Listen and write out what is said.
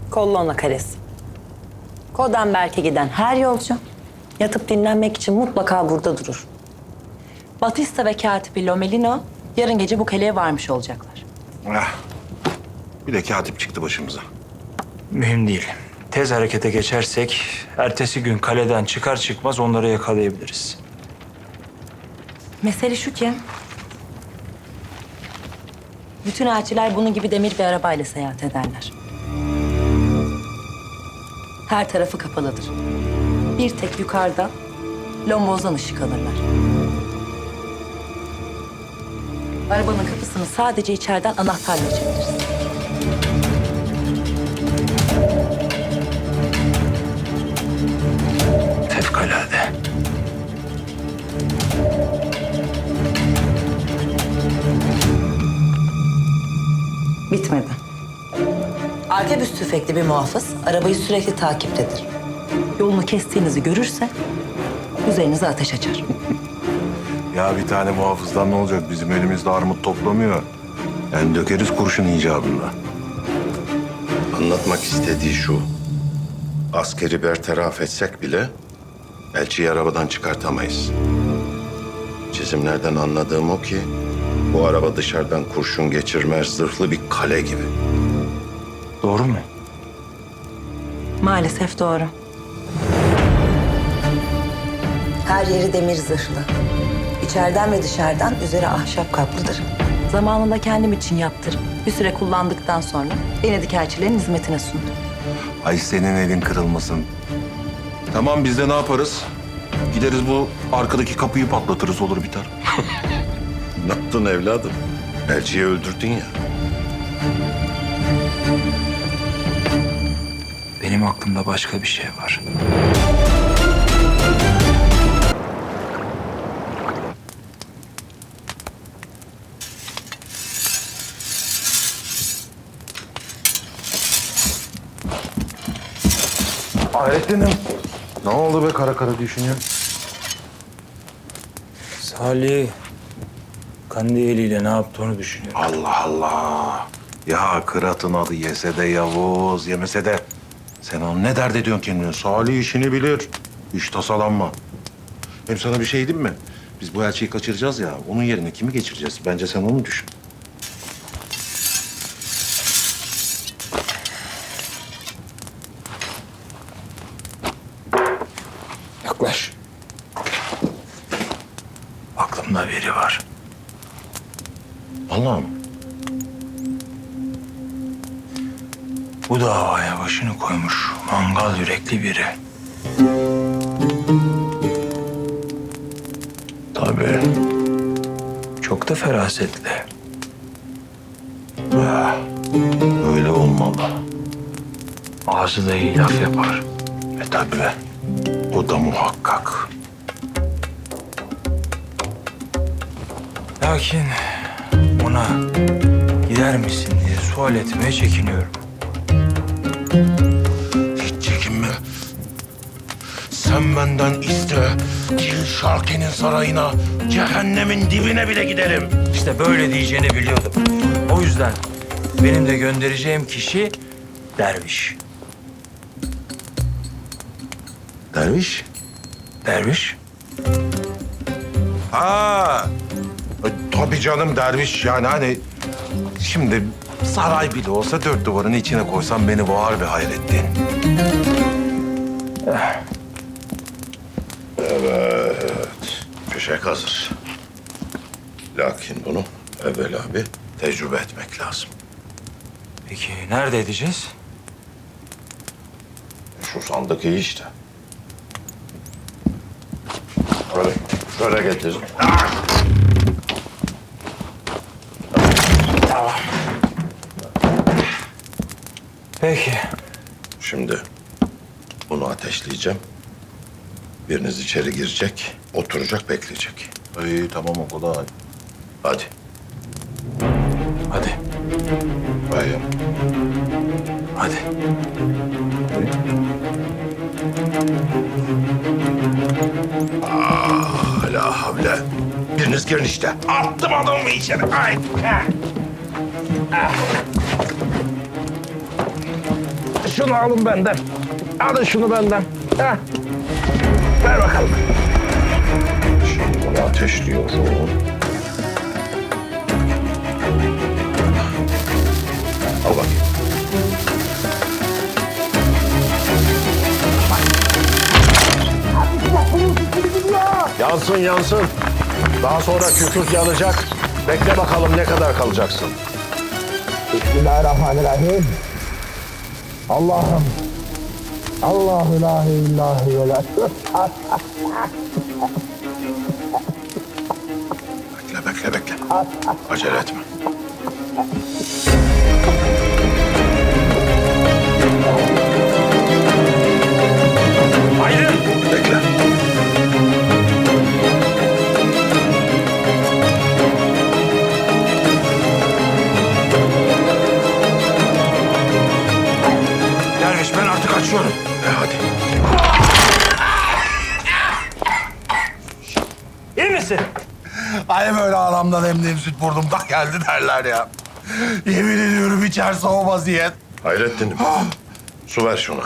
Kollona Kalesi. Kodenberg'e giden her yolcu yatıp dinlenmek için mutlaka burada durur. Batista ve katibi Lomelino yarın gece bu kaleye varmış olacaklar. Bir de katip çıktı başımıza. Mühim değil. Tez harekete geçersek ertesi gün kaleden çıkar çıkmaz onları yakalayabiliriz. Mesele şu ki... bütün elçiler bunun gibi demir bir arabayla seyahat ederler. Her tarafı kapalıdır. Bir tek yukarıda lombozdan ışık alırlar. Arabanın kapısını sadece içeriden anahtarla açabiliriz. Fevkalade. Bitmedi. Arkebüs tüfekli bir muhafız arabayı sürekli takiptedir. Yolunu kestiğinizi görürse üzerinize ateş açar. Ya bir tane muhafızdan ne olacak? Bizim elimizde armut toplamıyor. Yani dökeriz kurşun icabında. Anlatmak istediği şu. Askeri bertaraf etsek bile elçiyi arabadan çıkartamayız. Çizimlerden anladığım o ki bu araba dışarıdan kurşun geçirmez zırhlı bir kale gibi. Doğru mu? Maalesef doğru. Her yeri demir zırhlı. İçeriden ve dışarıdan üzeri ahşap kaplıdır. Zamanında kendim için yaptırıp bir süre kullandıktan sonra Venedik elçilerin hizmetine sundum. Ay senin elin kırılmasın. Tamam biz de ne yaparız? Gideriz bu arkadaki kapıyı patlatırız olur biter. Ne yaptın evladım? Elçiyi öldürdün ya. Benim aklımda başka bir şey var. Hayrettin'im. Ne oldu be kara kara düşünüyorsun? Salih Kandiyeli ile ne yaptığını düşünüyorum. Allah Allah. Ya Kırat'ın adı yese de Yavuz, yemese de. Sen onu ne dert ediyorsun kendine? Salih işini bilir. Hiç tasalanma. Hem sana bir şey diyeyim mi? Biz bu elçiyi kaçıracağız ya. Onun yerine kimi geçireceğiz? Bence sen onu düşün. Yaklaş. Aklımda biri var. Allah'ım. Bu davaya başını koymuş mangal yürekli biri. Tabii. Çok da ferasetli. Öyle olmalı. Ağzı da iyi laf yapar. Tabii. O da muhakkak. Lakin ona gider misin diye sual etmeye çekiniyorum. Hiç çekinme. Sen benden iste. Kil Şarki'nin sarayına, cehennemin dibine bile giderim. İşte böyle diyeceğini biliyordum. O yüzden benim de göndereceğim kişi derviş. Derviş? Derviş? Ha, tabii canım derviş yani hani şimdi saray bile olsa dört duvarın içine koysam beni boğar be Hayrettin. Fişek hazır. Lakin bunu evvela bir tecrübe etmek lazım. Peki nerede edeceğiz? Şu sandık iyi işte. Şöyle getir. Peki. Şimdi bunu ateşleyeceğim. Biriniz içeri girecek, oturacak, bekleyecek. İyi tamam o kadar. Hadi. Hadi. Bayım. Hadi. La havle. Biriniz girin işte. Attım adamı içeri. Ay. Şunu şunu alın benden. Alın şunu benden. Heh. Ver bakalım. Şimdi bunu ateşliyorum. Al bakayım. Yansın yansın. Daha sonra kükürt yanacak. Bekle bakalım ne kadar kalacaksın. Bismillahirrahmanirrahim. Allah'ım. Allahu ilahe illahi ve la Bekle. Acele etme. Aydın! Bekle. Derviş ben artık açıyorum. Hadi. İyi misin? Ay böyle aramdan emdiğim süt burnumdan geldi derler ya. Yemin ediyorum içerisi o vaziyet. Hayrettin'im. Su ver şuna.